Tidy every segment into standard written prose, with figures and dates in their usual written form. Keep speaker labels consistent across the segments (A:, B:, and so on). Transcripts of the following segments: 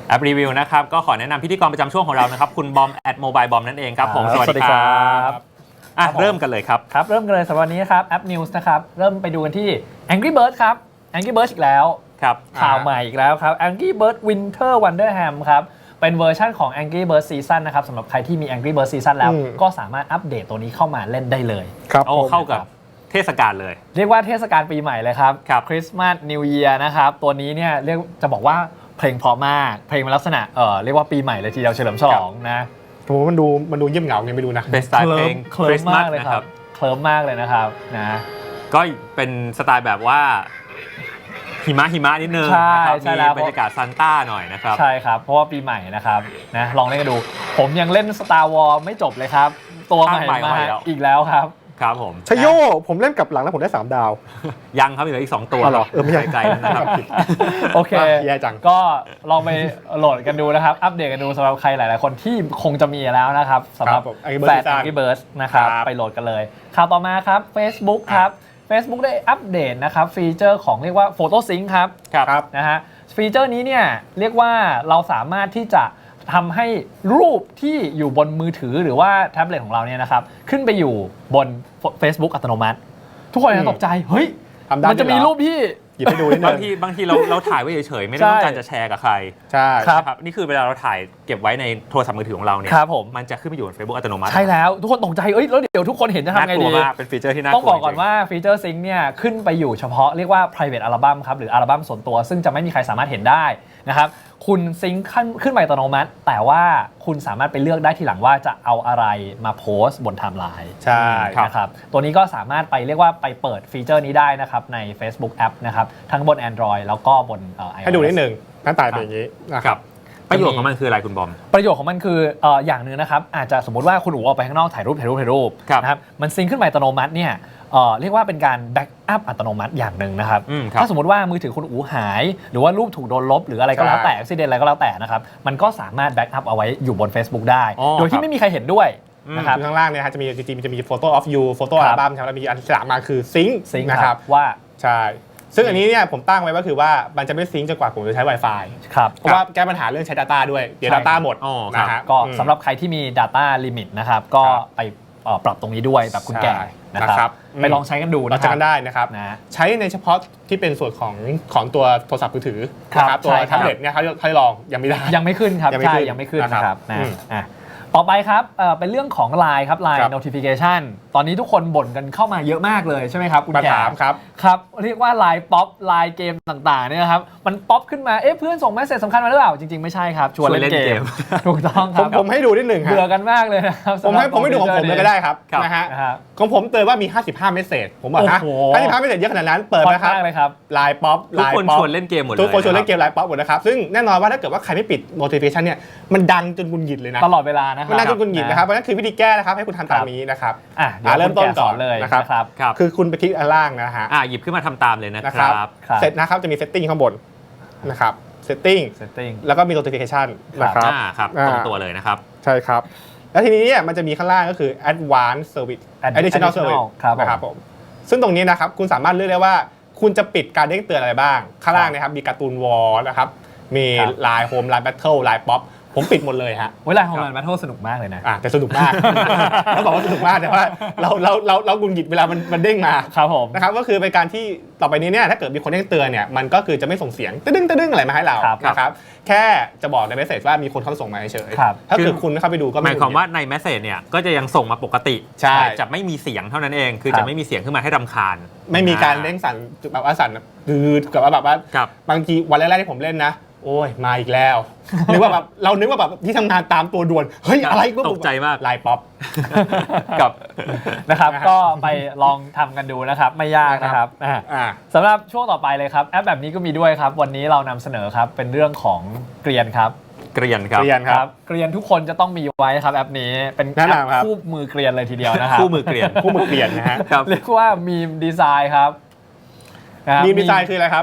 A: แอปรีวิวนะครับก็ขอแนะนำพิธีกรประจำช่วงของเรานะครับคุณบอม@mobile bomb นั่นเองครับผมสวัสดีครับเริ่มกันเลยครับ
B: เริ่มกันเลยสำหรับวันนี้ครับแอป News นะครับเริ่มไปดูกันที่ Angry Birds ครับ Angry Birds อีกแล้ว
A: ครับ
B: ข่าวใหม่อีกแล้วครับ Angry Birds Winter Wonderland ครับเป็นเวอร์ชั่นของ Angry Birds Season นะครับสำหรับใครที่มี Angry Birds Season แล้วก็สามารถอัปเดตตัวนี้เข้ามาเล่นได้เลย
A: ครับเข้ากับเทศกาลเลย
B: เรียกว่าเทศกาลปีใหม่เลยครับคริสต์มาสนิวเยียร์นะครับตัวนี้เนี่ยเรียกจะบอกว่าเพลงเพราะมากเพลงมันลักษณะเรียกว่าปีใหม่เลยทีเดียวเฉลิมฉลองนะ
C: ผมว่ามันดูเยี่ยมเหงาไงไม่รู้นะ
A: เป็นสไตล์เพลง
B: เคลิ้มมากเลยครับเคลิ้มมากเลยนะครับนะ
A: ก็เป็นสไตล์แบบว่าหิมะนิดนึงนะครับมีบรรยากาศซานต้าหน่อยนะครับ
B: ใช่ครับเพราะว่าปีใหม่นะครับนะลองเล่นกันดูผมยังเล่น Star Wars ไม่จบเลยครับตัวใหม่มาอีกแล้วครับ
A: ครับผม
C: ชโยผมเล่นกับหลังแล้วผมได้3 ดาว
A: ยังครับเหลืออีก2ตัว
C: ไม่ใช่
A: ไกลแล้วนะครับ
B: โอเค
C: แย่จัง
B: ก็ลองไปโหลดกันดูนะครับอัปเดตกันดูสำหรับใครหลายๆคนที่คงจะมีแล้วนะครับสำหรับแฟน Angry Birds นะครับไปโหลดกันเลยข่าวต่อมาครับ Facebook ครับ Facebook ได้อัปเดตนะครับฟีเจอร์ของเรียกว่า Photo Sync ครับนะฮะฟีเจอร์นี้เนี่ยเรียกว่าเราสามารถที่จะทำให้รูปที่อยู่บนมือถือหรือว่าแท็บเล็ตของเราเนี่ยนะครับขึ้นไปอยู่บน Facebook อัตโนมัติทุกคนจะตกใจเฮ้ยมันจะมีรูปที่
C: หยิบไปดูนิดนึง
A: บางทีเราถ่ายไว้เฉยๆไม่ได้ต้องการจะแชร์กับใคร
C: ใช่
A: ครับนี่คือเวลาเราถ่ายเก็บไว้ในโทรศัพท์มือถือของเราเนี่ยมันจะขึ้นไปอยู่บน Facebook อัตโนมัติ
B: ใช่แล้วทุกคนตกใจแล้วเดี๋ยวทุกคนเห็นจะทำไงดี
A: เป็นฟีเจอร์ที่น่ากลัว
B: ต้องบอกก่อนว่าฟีเจอร์ซิงค์เนี่ยขึ้นไปอยู่เฉพาะเรียกว่า private album ครับหรืออัลบั้มส่วนตัวซึ่งจะไม่มีใครสามารถเห็นได้นะครับคุณซิงค์ขึ้นไปอัตโนมัติแต่ว่าคุณสามารถไปเลือกได้ทีหลังว่าจะเอาอะไรมาโพสต์บนไทม์ไลน์
C: ใช่
B: นะครับตัวนี้ก็สามารถไปเรียกว่าไปเปิดฟีเจอร์นี้ได้นะครับใน Facebook App นะครับทั้งบน Android แล้วก็บน iOS
C: ให้ดูนิดนึงหน้าตาเป็นอย่างนี้นะครับ
A: ประโยชน์ของมันคืออะไรคุณบอม
B: ประโยชน์ของมันคืออย่างนึงนะครับอาจจะสมมติว่าคุณอู๋ออกไปข้างนอกถ่ายรูปนะครับมันซิงค์ขึ้นไปอัตโนมัติเนี่ยเรียกว่าเป็นการแบ็กอัพอัตโนมัติอย่างหนึ่งนะครับถ้าสมมติว่ามือถือคุณอู๋หายหรือว่ารูปถูกโดนลบหรืออะไรก็แล้วแต่อุบิเหตุอะไรก็แล้วแต่นะครับมันก็สามารถแบ็กอัพเอาไว้อยู่บน Facebook ได้โดยที่ไม่มีใครเห็นด้วยนะครับ
C: ข้างล่างเนี่ยจะมี Photo of you โฟโต้อัลบั้มแล้วมีอันที่3มาคือซิงค์นะครับ
B: ว่า
C: ใช่ซึ่งอันนี้เนี่ยผมตั้งไว้ก็คือว่ามันจะไม่ซิงค์จนกว่าผมจะใช้ Wi-Fi
B: เพ
C: ราะว่าแก้ปัญหาเรื่องใช้ Data ด้วยเดี๋ยว Data หมด
B: นะฮะก็สำหรับใครที่มี Data Limit นะครับก็ไปปรับตรงนี้ด้วยแบบคุณแก่นะครับไปลองใช้กันดู
C: นะครับใช้กันได้นะครับใช้ในเฉพาะที่เป็นส่วนของตัวโทรศัพท์มือถือนะครับตัวแท็บเล็ตเนี่ยเขาลองยังไม่ได้
B: ยังไม่ขึ้นครับใช่ยังไม่ขึ้นนะครับต่อไปครับเป็นเรื่องของ LINE ครับ LINE notification ตอนนี้ทุกคนบ่นกันเข้ามาเยอะมากเลยใช่ไหมครับคุณแก่ครับเรียกว่า LINE ป๊อป LINE เกมต่างๆเนี่ยครับมันป๊อปขึ้นมาเพื่อนส่งเมสเสจสำคัญมาหรือเปล่าจริงๆไม่ใช่ครับชวนเล่นเกมถูกต้องครับ
C: ผมให้ดูนิดหนึ่งครับ
B: เบื่อกันมากเลยนะครับ
C: ผมให้ดูของผมเลยก็ได้ครับนะฮะของผมเตือนว่ามี55เมสเสจผมบอกนะ55เมสเสจเยอะขนาดนั้นเปิดนะครับ LINE ป๊อป
A: ทุกคนชวนเล่นเกมหมดเลย
C: ทุกคนชวนเล่นเกม LINE ป๊อปหมดนะครับซึ่งแน่นอนว่าถ้าเกิดว่าใครไม่ปิด notification เนี่ยมันดังจนกุนหงิดเลยนะ
B: ตลอดเวลานะครับ
C: มันดังจนกุนหงิดนะครับเพราะนั่นคือวิธีแก้นะครับให้คุณทำตามนี้นะครับเริ่มต้นก่อน
B: เลย
C: นะครับคือคุณไปคลิกอันล่างนะฮะ
A: หยิบขึ้นมาทำตามเลยนะครับ
C: เสร็จนะครับจะมี setting ข้างบนนะครับ setting แล้วก็มี notification
A: นะครับตรงตัวเลยนะครับ
C: ใช่ครับแล้วทีนี้เนี่ยมันจะมีข้างล่างก็คือ advanced service additional service นะครับผมซึ่งตรงนี้นะครับคุณสามารถเลือกได้ว่าคุณจะปิดการเด้งเตือนอะไรบ้างข้างล่างนะครับมีการ์ตูนวอลนะครับมี Line Home Line Battle Line Popผมปิดหมดเลยฮะ
B: เวลาของมันแบทเทิลสนุกมากเลยนะ
C: แต่สนุกมากต้องบอกว่าสนุกมากแต่ว่าเรากุนหงิดเวลามันเด้งมา
B: ครับผม
C: นะครับก็คือเป็นการที่ต่อไปนี้เนี่ยถ้าเกิดมีคนเด้งเตือนเนี่ยมันก็คือจะไม่ส่งเสียงตึ้งอะไรมาให้เรานะครับแค่จะบอกในเมสเสจว่ามีคนเข้าส่งมาเฉยถ้าเกิดคุณเข้าไปดูก็
A: หมายความว่าในเมสเสจเนี่ยก็จะยังส่งมาปกติจะไม่มีเสียงเท่านั้นเองคือจะไม่มีเสียงขึ้นมาให้รำคาญ
C: ไม่มีการเด้งสั่นแบบว่าสั่นกับว่าแบบว่าบางทีวันแรกๆที่ผมเล่นนะโอ้ยมาอีกแล้วนึกว่าแบบเรานึกว่าแบบที่ทำงานตามตัวด่วนเฮ้ยอะไรก็
A: ตกใจมาก
C: ไลน์ป๊อป
B: กับนะครับก็ไปลองทำกันดูนะครับไม่ยากนะครับสำหรับช่วงต่อไปเลยครับแอปแบบนี้ก็มีด้วยครับวันนี้เรานำเสนอครับเป็นเรื่องของเกรียนครับ
A: เกรียนครับ
B: เกรียนทุกคนจะต้องมีไว้ครับแอปนี้เป็นแอปคู่มือเกรียนเลยทีเดียวนะครับ
A: คู่มือเกรียน
C: นะฮะ
B: เรียกว่ามีมดีไซน์ครับ
C: มีมดีไซน์คืออะไรครับ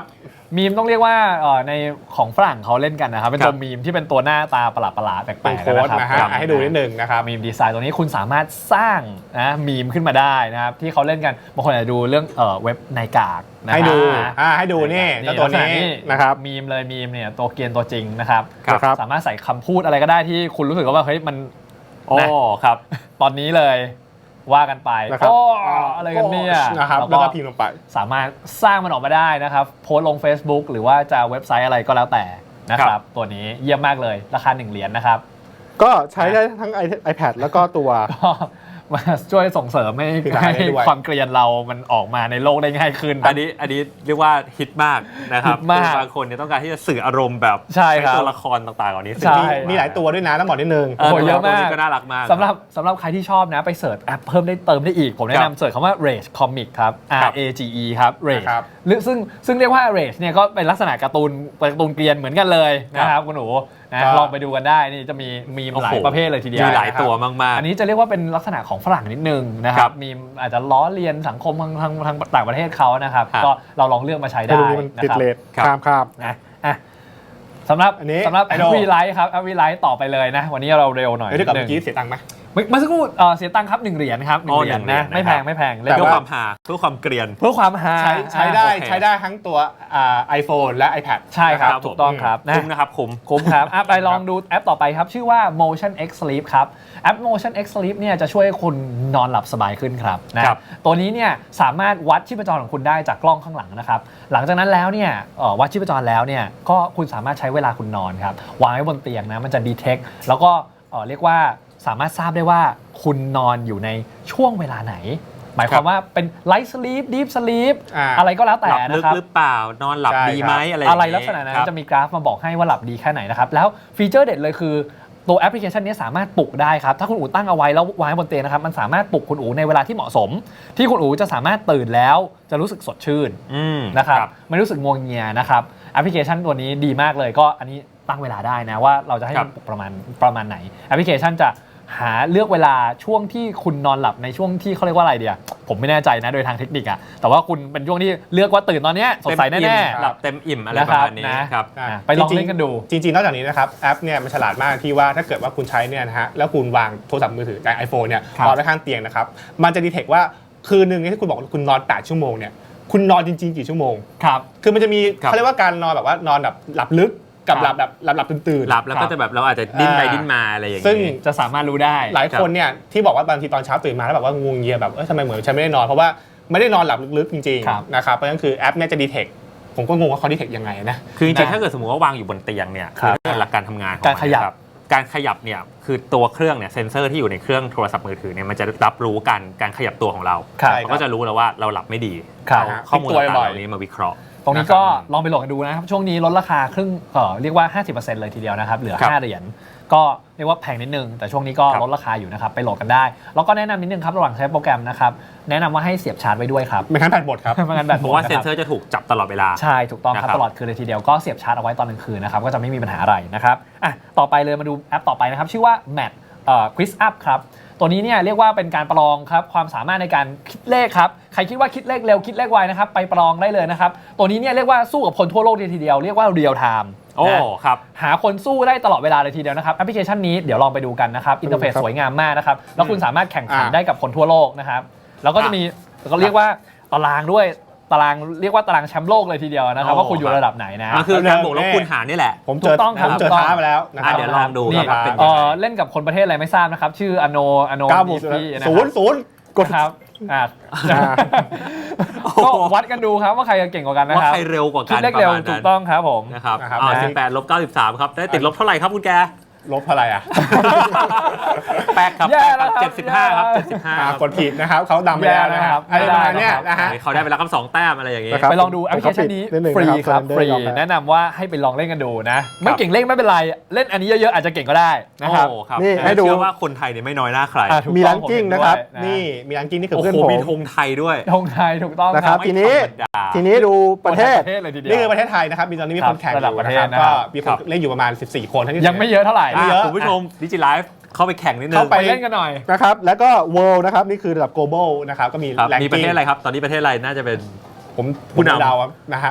B: มีมต้องเรียกว่าในของฝรั่งเขาเล่นกันนะครับเป็นตัวมีมที่เป็นตัวหน้าตาประหลาดๆแปล
C: เป็น
B: กๆ
C: โค้ด
B: นะครับ
C: นะฮะให้ดูนิดนึงนะครับ
B: มีมดีไซน์ตัวนี้คุณสามารถสร้างนะมีมขึ้นมาได้นะครับที่เขาเล่นกันบางคนอาจจะดูเรื่องเว็บไนกากนะ
C: ให้ดู
B: ให้
C: นี่เจ้าตัวนี้นะครับ
B: มีมเลยมีมเนี่ยตัวเกรียนตัวจริงนะครับ
C: ครับ
B: สามารถใส่คำพูดอะไรก็ได้ที่คุณรู้สึกว่าเฮ้ยมัน
A: โอ้ครับ
B: ตอนนี้เลยว่ากันไป
C: นะครับ
B: โอ้อะไรกันเนี่ย
C: นะครับแล้วก็พิมพ์ลงไป
B: สามารถสร้างมันออกมาได้นะครับโพสต์ลง Facebook หรือว่าจะเว็บไซต์อะไรก็แล้วแต่นะครับตัวนี้เยี่ยมมากเลยราคา1เหรียญนะครับ
C: ก็ใช้ได้ทั้ง iPad แล้วก็ตัว
B: ก็มาช่วยส่งเสริมให้
C: คือได้ด้วย
B: ความเกรียนเรามันออกมาในโลกได้ง่ายขึ้น
A: อันนี้เรียกว่าฮิตมากนะครับ
B: ฮิตมาก
A: บางคนเนี่ยต้องการที่จะสื่ออารมณ์แบบ
B: ใช่ครับ
A: ตัวละครต่างๆเหล่านี้
B: ใช่
C: มีหลายตัวด้วยนะต้องบอกนิดนึง
B: โอ้โหเยอะมาก
A: ตัวนี้ก็น่ารักมาก
B: สำหรับใครที่ชอบนะไปเสิร์ชแอปเพิ่มได้เติมได้อีก ผมแนะนำเสิร์ชคำว่า Rage Comic ครับ
A: ครับ
B: RAGE ครับ Rage
C: ครับ
B: หรือซึ่งเรียกว่า Rage เนี่ยก็เป็นลักษณะการ์ตูนเกรียนเหมือนกันเลยนะครับคุณหนูนะ
C: ก็
B: ลองไปดูกันได้นี่จะมีหลายประเภทเลยทีเดียว
A: มีหลายตัวมากๆ
B: อันนี้จะเรียกว่าเป็นลักษณะของฝรั่งนิดนึงนะค
A: ครั
B: รับบ มีอาจจะล้อเลียนสังคมทางต่างประเทศเขานะครับ
A: ครับ
B: ก็เราลองเลือกมาใช้
C: ให้
B: ได้
C: ดูนี้มัน
B: นะ
C: ติด
B: ครับ
C: เลท
A: ครับ
C: ครับ
B: นะอ่ะสำหรับ
C: อันนี้
B: แอป
C: Idol
B: วีไลท์ครับแอปวีไลท์ต่อไปเลยนะ วันนี้เราเร็วหน่อย
C: เดี๋ยวกับ
B: นิ
C: เมื่
B: ด
C: อ
B: นึ
C: กี้
B: ง
C: เสียตังค์ไหม
B: เมื่อสักครู่เสียตังค์ครับ1เหรียญครับ1
A: อ๋อ
B: เหรียญ
A: 1เหรีย
B: นะ
A: ญ
B: ไม่แพง
A: นะครับ
B: ไม่แพง
C: แต่
A: เพื่อ
C: ว่า
A: ความหาเพื่อความเกรียน
B: เพื่อความฮา
C: ใช้ได้
A: โอเค
C: ใช้ได้ทั้งตัวiPhone และ iPad
B: ใช่ครับ
A: ครับ
B: ถูกต้องครับนะ
A: คุ้มนะครับคุ้ม
B: คุ้มครับอ่ะไปลองดูแอปต่อไปครับ ชื่อว่า Motion X Sleep ครับแอป Motion X Sleep เนี่ยจะช่วยให้คุณนอนหลับสบายขึ้นครับนะครับ ตัวนี้เนี่ยสามารถวัดชีพจรของคุณได้จากกล้องข้างหลังนะครับ หลังจากนั้นแล้วเนี่ยวัดชีพจรแล้วเนี่ยก็คุณสามารถใช้เวลาคุณนอนครับวางไว้บนเตียงนะมันจะดีเทคแล้วก็เรียกว่าสามารถทราบได้ว่าคุณนอนอยู่ในช่วงเวลาไหน หมายความว่าเป็น light sleep deep sleep อะไรก็แล้วแต่
A: หลับลึ
B: นะ
A: ก
B: ครับ
A: หรือเปล่านอนหลับ
C: ใช่
A: ดีไหม
C: ครับ
A: อะไร
B: อะไร
A: อย่าง
B: ลัก
A: งี้
B: ษณะนั้
A: ครั
B: น
A: บ
B: จะมีกราฟมาบอกให้ว่าหลับดีแค่ไหนนะครับแล้วฟีเจอร์เด็ดเลยคือตัวแอปพลิเคชันนี้สามารถปลุกได้ครับถ้าคุณอู๋ตั้งเอาไว้แล้ววางไว้บนเตียงนะครับมันสามารถปลุกคุณอู๋ในเวลาที่เหมาะสม ที่คุณอู๋จะสามารถตื่นแล้วจะรู้สึกสดชื่น
A: อืม
B: นะครับไม่รู้สึกงวงเงียนะครับแอปพลิเคชันตัวนี้ดีมากเลยก็อันนี้ตั้งเวลาได้นะว่าเราจะให้
A: ครับ
B: มันปลุกประมาณไหนแอปพลิเคชันจะหาเลือกเวลาช่วงที่คุณนอนหลับในช่วงที่เขาเรียกว่าอะไรเดียผมไม่แน่ใจนะโดยทางเทคนิคอะแต่ว่าคุณเป็นช่วงที่เลือกว่าตื่นตอนเนี้ยสดใส
A: เต็ม
B: แน่
A: อิ่ม
B: ๆ
A: หลับเต็มอิ่มอะไร
B: นะ
A: ป
B: ครั
A: ระ
B: บ
A: มาณนี้
B: นะครับ
C: อ่ะ
B: ไปลองเล่นกันดู
C: จริงๆนอกจากนี้นะครับแอปเนี่ยมันฉลาดมากที่ว่าถ้าเกิดว่าคุณใช้เนี่ยนะฮะแล้วคุณวางโทรศัพท์มือถือใน iPhone เนี่ย
B: ครับ
C: วางไว้ข้างเตียงนะครับมันจะดีเทคว่าคืนนึงที่คุณบอกว่าคุณนอน8ชั่วโมงเนี่ยคุณนอนจริงๆกี่ชั่วโมง
B: ครับ
C: คือมันจะมี
A: ครับ
C: เขาเรียกว่าการนอนแบบว่านอนแบบหลับลึกกับ
B: ครับ
C: หลับตื่นๆ
A: หลับแล้วก็จะแบบเราอาจจะดิ้นไป
C: อ่า
A: ดิ้นมาอะไรอย่าง
C: ซึ่ง
A: นี้
B: จะสามารถรู้ได้
C: หลายคนเนี่ยที่บอกว่าบางทีตอนเช้าตื่นมาแล้วแบบว่างวงเงียแบบทำไมเหมือนฉันไม่ได้นอนเพราะว่าไม่ได้นอนหลับลึกๆจริง
B: ครับ
C: ๆนะครับเพราะฉะนั้นคือแอปเนี่ยจะดีเทคผมก็งงว่าเขาดีเทคยังไงนะ
A: คือจริงๆ
B: นะ
A: ถ้าเกิดสมมติว่าวางอยู่บนเตียงเนี่ย
B: ครับ
A: คือหลักการทำงานของ
B: การขยับ
A: มันนะการขยับเนี่ยคือตัวเครื่องเนี่ยเซนเซอร์ที่อยู่ในเครื่องโทรศัพท์มือถือเนี่ยมันจะรับรู้การขยับตัวของเรา
B: ครับ
C: ใช่
A: มันก็จะรู้แล้วว่าเราหลับไม่ดี
B: ครับ
A: เอาข้อมูล
C: พลิกตัว
A: ต่างๆ
C: บ่อย
A: เหล่านี้มาวิเคราะห์
B: ตรงนี้ก็ลองไปโหลดกันดูนะครับ ช่วงนี้ลดราคาครึ่งเรียกว่า 50%เลยทีเดียวนะครับ เหลือ
A: ครับ
B: 5 เหรียญ ก็เรียกว่าแพงนิดนึง แต่ช่วงนี้ก็
A: ครับ
B: ลดราคาอยู่นะครับ ไปโหลดกันได้ แล้วก็แนะนำนิดนึงครับ ระหว่างใช้โปรแกรมนะครับ แนะนำว่าให้เสียบชาร์จไว้ด้วยครับ
C: ไม่งั้นแบตหมดครับ
B: ไม่งั้นแบตห
A: เพ
B: มด
A: ราะว่า
B: นะ
A: เซ
B: คน รับ
A: เซอร์จะถูกจับตลอดเวลา
B: ใช่ ถูกต้องครับ
A: นะครับ
B: ตลอดคืนเลยทีเดียว ก็เสียบชาร์จเอาไว้ตอนกลางคืนนะครับ ก็จะไม่มีปัญหาอะไรนะครับอ่ะต่อไปเลยมาดูแอปต่อไปนะครับ ชื่อว่า Mat Quiz Up ครับ ตัวนี้เนี่ยเรียกว่าเป็นการประลองครับความสามารถในการคิดเลขครับ ใครคิดว่าคิดเลขเร็วคิดเลขไวนะครับไปประลองได้เลยนะครับ ตัวนี้เนี่ยเรียกว่าสู้กับคนทั่วโลกเลยทีเดียว เรียกว่าเรียลไทม์
A: โอ้ครับ
B: หาคนสู้ได้ตลอดเวลาเลยทีเดียวนะครับแอปพลิเคชันนี้เดี๋ยวลองไปดูกันนะครับอินเทอร์เฟซ
C: ครับ
B: สวยงามมากนะครับแล้วคุณสามารถแข่งขัน
C: อ่า
B: ได้กับคนทั่วโลกนะครับแล้วก็จะมีก็เรียกว่าตารางด้วยตารางเรียกว่าตารางแชมป์โลกเลยทีเดียวนะครับ
A: โอ้
B: ว่าคุณอยู่ระดับไหนนะ
A: มันคือการบวกลบคูณหารนี่แหละ
C: ผมเจ
B: ถู
C: อก
B: ต้องครับ
C: ผมเจอ
B: ถูกต้อง
C: ท้ามาแล้วนะครั
A: เดี๋ยวลองดู
B: นี่
A: ครับเป็นยังไง
B: เล่นกับคนประเทศอะไรไม่ทราบนะครับ ชื่ออโน
C: 9 บวก
B: DP นะ
C: ศู
B: คน รับ
C: ย์ศูนย์กด
B: ครับอ่ะ
C: อ่า
B: ก็วัดกันดูครับว่าใครจะเก่งกว่ากันนะ
A: ว่า
B: ครับ
A: ใครเร็วกว่า
B: คิ
A: กั
B: ด
A: น
B: เลขเร็ว
A: ประมาณ
B: ถู
A: นั้
B: ก
A: น
B: ต้องครับผม
A: นะครับ
C: นะครับ
A: 18ลบ93ครับได้ติดลบเท่าไหร่ครับคุณแก
C: ลบเท่าไหร่อ่ะ
A: แป๊กครับ
B: แย่
A: แป๊กค
B: แล้
A: รั
B: ว
A: บ
B: ครับ
A: 75ครับ
B: แย่
A: 75ครับ
C: กดผิดนะครับเขาดำไปแล้วนะครับ
B: แย่
C: อะไร
B: แล้ว
C: ประมาณ
B: ครับ
C: เนี้ยนะฮะ
A: เขาได้ไปแล้วครับ2แต้มอะไรอย่างงี้
C: นะครับ
B: ไปลองดูแอปพลิเคชันนี้
C: ผมขอปิดนิดนึง
B: ฟรี
C: นะครับ
B: ครับ
C: Surrender
B: ฟรี
C: ยอมแล้ว
B: แนะนำว่าให้ไปลองเล่นกันดูนะ ไม่เก่งเล่นไม่เป็นไรเล่นอันนี้เยอะๆอาจจะเก่งก็ได้นะครับ
A: โอ้ครับ
C: นี่ให้ดู
A: เชื่อว่าคนไทยเนี่ยไม่น้อยหน้าใคร
B: อ่ะถูก
C: มี
B: ต้
C: รั
B: อง
C: งกิ้ง
B: ผมเห็น
C: นะครับ
B: ด้วยนะ
C: นี่มีรังกิ้งนี่คือ
A: โอ้
C: เพื่อน
A: โห
C: ผม
A: มีธงไทยด้วย
B: ธงไทยถูกต้อง
C: นะครับ
A: ไม่
C: ทีนี้
A: ธรรมดา
C: ทีนี้ดูประเทศ
B: ประเทศเลยทีเดียว
C: นี่คือประเทศไทยนะครับมีตอนนี้มีคนแข่งอ
B: ระดับ
C: ยู่
B: ประเท
C: นะค
B: ศ
C: รับ
B: นะครับ
C: ก็มีคนเล่นอยู่ประมาณ14 คนทั้งที่
B: ยังไม่เยอะเท่าไหร่
C: ไม่เยอะ
A: คุณผู้ชมดิจิไลฟ์เข้าไปแข่งนิดนึง
C: เข้า
B: ไปเล่นกันหน่อย
C: นะครับแล้วก็ world นะครับนี่คือระดับ global นะครับก็มี
A: ครับ
C: แรง
A: มีประ
C: กิ้
A: เทศ
C: ง
A: อะไรครับ ตอนนี้ประเทศอะไรน่าจะเป็น
C: ผม
A: ผู้นำ
C: เดาครับนะฮะ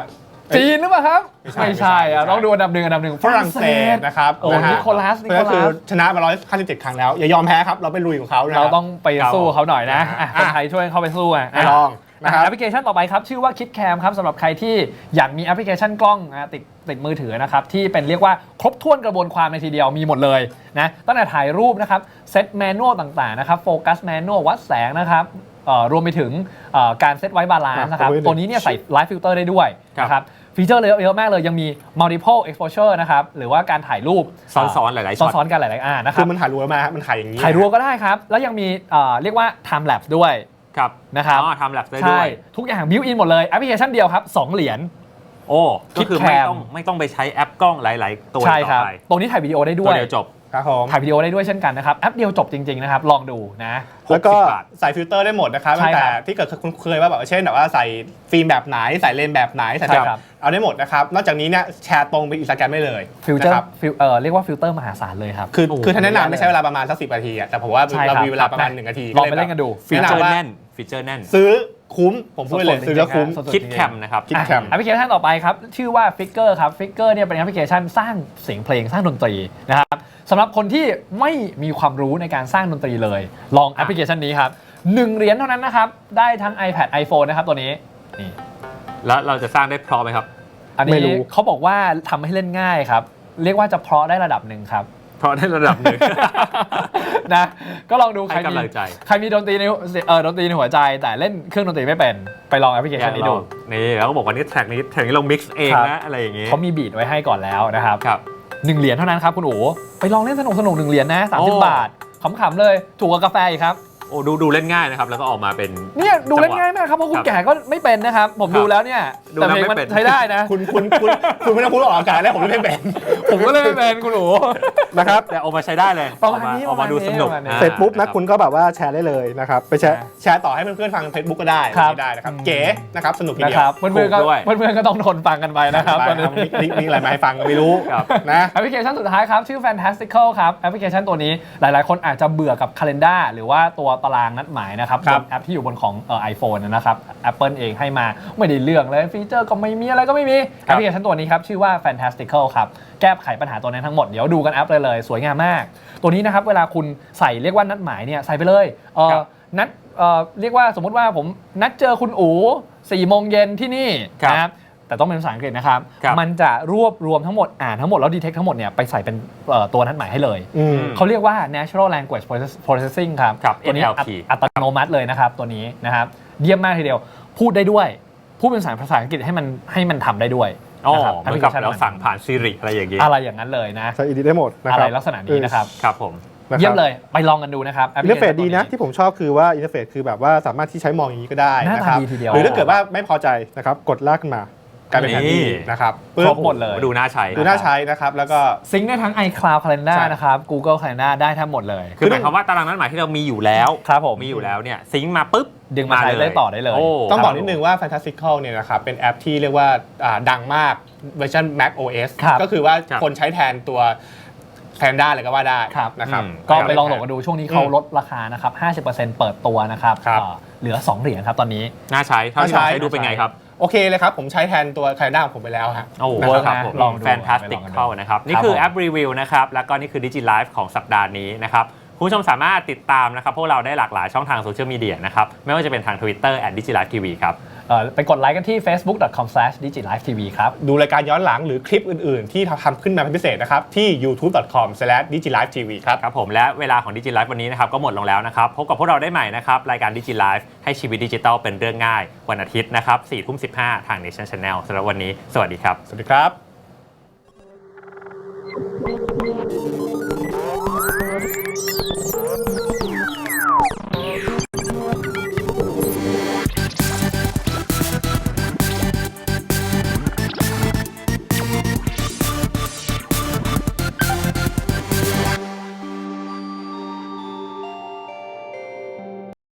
B: จีนหรือเปล่าครับ
C: ไม่ใช่
B: ต้องดูอันดับหนึ่ง
C: ฝรั่งเศสนะครับ
B: โอ้
C: นะฮะ
B: นิโคลัส
C: ก็คือชนะมา157ครั้งแล้ว อย่ายอมแพ้ครับ เราไปลุยของเขานะค
B: เรา
C: บ
B: ต้องไปสู้เขาหน่อยนะ
C: อ่ะ
B: คนไทยช่วยเข้าไปสู้อ่ะ
C: ไปลองนะครับ
B: แอปพลิเคชันต่อไปครับ ชื่อว่า KitCam ครับสำหรับใครที่อยากมีแอปพลิเคชันกล้องติดมือถือนะครับที่เป็นเรียกว่าครบถ้วนกระบวนความในทีเดียวมีหมดเลยนะตั้งแต่ถ่ายรูปนะครับเซตแมนนวลต่างๆนะครับโฟกัสแมนนวลวัดแสงนะครับรวมไปถึงการเซตไว้บาลานซ์นะครับตัวนี้เนี่ยใส่ไลฟ์ฟิลเตอร์ได้ด้วยนะครับฟีเจอร์เยอะมากเลยยังมี multiple exposure นะครับหรือว่าการถ่ายรูป
A: ซ้อนๆหลายๆช็อต
B: ซ้อนๆกันหลายๆนะค
C: คื
B: รับ
C: อมันถ่ายรัวมากมันถ่ายอย่างนี้
B: ถ่ายรัวก็ได้ครับแล้วยังมีเรียกว่า time lapse ด้วย
A: ครับ
B: นะครับ
A: ทำแลบได้ด้
B: ใช่
A: วย
B: ทุกอย่างบิวอินหมดเลยแอปพลิเคชันเดียวครับ2เหรียญ
A: โอ้ก็คือ
B: KitCam
A: ไม่ต้องไปใช้แอปกล้องหลายๆตัว
B: ใช่
A: ต่
B: ครั
A: อบ ไป
B: ตรงนี้ถ่ายวิดีโอได้ด้
A: ตัว
B: วย
A: เดียวจบ
C: ครับผม
B: ถ่ายวิดีโอได้ด้วยเช่นกันนะครับแอปเดียวจบจริงๆนะครับลองดูนะ
C: แล้วก็
A: 60 บาท
C: ใส่ฟิลเตอร์ได้หมดนะครับ
B: ใช่
C: ตั้ง
B: ครั
C: แต่
B: บ
C: ที่เกิดคุณเคยว่าแบบเช่นแบบว่าใส่ฟิล์มแบบไหนใส่เลนส์แบบไหนใส่
B: ใช่
C: แบบ
B: ครับ
C: เอาได้หมดนะครับนอกจากนี้เนี่ยแชร์ตรงไปอินสตาแกรมได้เลย
B: ฟิลเตอ
C: นะ
B: ร์
C: ครับ
B: เรียกว่าฟิลเตอร์มหาศาลเลยครับ
C: คือถ้าแนะนำไม่ใช้เวลาประมาณสัก10 นาทีอะแต่ผมว่า
B: ใช่ครับ
C: เรามีเวลาประมาณ1 นาที
B: ลองไปเล่นกันดู
A: ฟี
C: แนะ
A: เจอร์
C: นำว่า
A: แน่นฟีเจอร์แน่น
C: ซื้อคุ้มผมพูดเลย
B: สดๆ
C: ซื้อแล้วคุ้ม
B: จริงๆ
A: คิดแคมนะครับ
C: KitCam
B: แอปพลิเคชันต่อไปครับ ชื่อว่า Figure ครับ Figure เนี่ยเป็นแอปพลิเคชันสร้างเสียงเพลงสร้างดนตรีนะครับสำหรับคนที่ไม่มีความรู้ในการสร้างดนตรีเลย ลองแอปพลิเคชันนี้ครับ1 เหรียญเท่านั้นนะครับ ได้ทั้ง iPad iPhone นะครับตัวนี้นี่
A: แล้วเราจะสร้างได้พร้อมไหมครับ
B: อัน
C: ไม่
B: นี้
C: รู้
B: เขาบอกว่าทำให้เล่นง่ายครับ เรียกว่าจะเพราะได้ระดับหนึ่งครับ
A: เพราะได้ระดับหนึ่ง
B: นะก็ลองดู
A: ให้กำลังใจ
B: ใครมีดนตรีในดนตรีในหัวใจ แต่เล่นเครื่องดนตรีไม่เป็นไปลองแอปพลิเคชันนี้ดู
A: นี่แล้วก็บอกว่านี่แทร็กนี้เรามิกซ์เอง
B: ครับ
A: นะอะไรอย่างงี้
B: เขามีบีทไว้ให้ก่อนแล้วนะครับ
A: ครับ
B: 1 เหรียญเท่านั้นครับคุณอู๋ไปลองเล่นสนุก1 เหรียญนะ
A: โอ้
B: 30 บาทขำๆเลยถูกกว่ากาแฟอีกครับ
A: โอ้ดูเล่นง่ายนะครับแล้วก็ออกมาเป็น
B: เนี่ยดูเล่นง่ายมากครับเพราะคุณแก่ก็ไม่เป็นนะครับผมดูแล้วเนี่ย
A: ดู
B: แต่
A: แล้ว
B: เพลง
A: ไม่
B: มัน
A: เป็น
B: ใช้ได้นะ
C: คุณไม่ต้องพูดออกอากาศแล้วผมไม่เป็น
B: ผมก็เลยไม่เป็นคุณอู๋
C: นะครับ
A: แต่ออกมาใช้ได้เลย
B: ประมาณนี้
A: ออกมาดูสนุก
B: ประมาณนี้
A: อ่า
C: เสร็จปุ๊บนะ
A: รับ
C: คุณก็แบบว่าแชร์ได้เลยนะครับไปแชร์ต่อให้เพื่อนๆฟัง Facebook ก็ได้
B: ครับ
C: ได้นะครับเก๋นะครับสนุกที
B: นะ
C: เดีย
B: คว รับเพื่อนๆก็
A: ถูกด้วย
B: เพื่อนๆก็ต้องทนฟังกันไปนะครับ
C: ไป
B: ตอนนี้
C: มีอะไรมาให้ฟังก็ไม่รู้
A: ครับ
C: นะ
B: แอปพลิเคชันสุดท้ายครับ ชื่อ Fantastical ครับ แอปพลิเคชันตัวนี้หลายๆ คนอาจจะเบื่อกับ Calendar หรือว่าตัวตารางนัดหมายนะครับ
C: ครับ
B: บนแอปที่อยู่บนของiPhone นะครับ Apple เองให้มาไม่ได้เรื่องเลยฟีเจอร์ก็ไม่มีอะไรก็ไม่มีแอปพลิเคชันตัวนี้ครับ ชื่อว่า Fantastical ครับแก้ไขปัญหาตัวนั้นทั้งหมด เดี๋ยวดูกันแอปเลยสวยงามมาก ตัวนี้นะครับเวลาคุณใส่เรียกว่านัดหมายเนี่ยใส่ไปเลย
A: ครับ
B: นัดเรียกว่าสมมุติว่าผมนัดเจอคุณอู๋4 โมงเย็นที่นี่
A: ครับ
B: นะครับแต่ต้องเป็นภาษาอังกฤษนะครับ
A: ครับ
B: มันจะรวบรวมทั้งหมดอ่านทั้งหมดแล้วดีเทคทั้งหมดเนี่ยไปใส่เป็นตัวนัดหมายให้เลย
C: อืม
B: เขาเรียกว่า natural language processing ครับ
A: ครับ
B: ตัวนี้
A: NLP
B: อัตโนมัติเลยนะครับตัวนี้นะครับเยี่ยมมากทีเดียว พูดได้ด้วย พูดเป็นภาษาอังกฤษให้มันทำได้ด้วย
A: อ๋อ
B: นะครับ
A: เหมือนกับเราสั่งผ่านซีริอะไรอย่างงี้
B: อะไรอย่างนั้นเลยนะ
C: ใช้อีดิได้หมดนะ
B: อะ
C: ค
B: ไร
C: รับ
B: ลักษณะนี้นะครับ
A: ครับผม
C: นะครับ
B: เยี่ยมเลยไปลองกันดูนะครับ
C: อินเทอร์เฟซ
B: application
C: ดีนะ
B: ตัว
C: ที่ผมชอบคือว่าอินเทอร์เฟซคือแบบว่าสามารถที่ใช้มองอย่างนี้ก็ได้
B: หน้า
C: นะ
B: ตา
C: ครับ
B: ดีทีเดียว
C: หรือถ้าเกิดว่าไม่พอใจนะครับกดลากขึ้นมากลายเป็นแผนที่นะครับ
B: ครบหมดเลย
A: ดูน่าใช้
C: ดูน่าใช้นะครับแล้วก็
B: ซิงค์ได้ทั้ง iCloud Calendar
C: ใช่
B: นะครับ Google Calendar ได้ทั้งหมดเลย
A: คือหมายความว่าตารางนัดหมายที่เรามีอยู่แล้ว
B: ครับผม
A: มีอยู่แล้วเนี่ยซิงค์มาปุ๊บ
B: ดึงมาใช้ได้ต่อได้เลย
A: โ
C: ต้องบอกนิดนึงว่า Fantastical เนี่ยนะครับเป็นแอปที่เรียกว่าดังมากเวอร์ชัน Mac OS
B: ครับ
C: ก็คือว่า
A: ครับ
C: คนใช้แทนตัวแพนด้าเลยก็ว่าได้
B: ครับ
C: นะครับ
B: ก็ไปลองโหลดกันดูช่วงนี้เขาลดราคานะครับ 50%เปิดตัวนะครับ
C: ครับ
B: เหลือ 2 เหรียญครับตอนนี้
A: น่าใช้เท่าที่ลองใช้ดูเป็นไงครับ
C: โอเคเลยครับ ผมใช้แทนตัวแพนด้าของผมไปแล้วฮะ
A: โอ้โห
C: นะ
A: ค
C: ครั
A: รับบ ผม
B: ลองดู
A: แฟนตาสติก
B: ไปลองกันดู
A: เข้านะครับ นี่คือแอปรีวิวนะครับ แล้วก็นี่คือ Digi Live ของสัปดาห์นี้นะครับ คุณผู้ชมสามารถติดตามนะครับ พวกเราได้หลากหลายช่องทางโซเชียลมีเดียนะครับ ไม่ว่าจะเป็นทาง Twitter @digilivetv ครับ
B: ไปกดไลค์กันที่ facebook.com/digilivetv ครับ
C: ดูรายการย้อนหลังหรือคลิปอื่นๆ ที่ทำขึ้นมาเป็นพิเศษนะครับ ที่ youtube.com/digilivetv ครับ
A: ครับผมและเวลาของ Digi Live วันนี้นะครับก็หมดลงแล้วนะครับ พบกับพวกเราได้ใหม่นะครับ รายการ Digi Live ให้ชีวิตดิจิทัลเป็นเรื่องง่าย วันอาทิตย์นะครับ 4:15 ทาง Nation Channel สำหรับวันนี้ สวัสดีครับ
C: สวัสดีครับ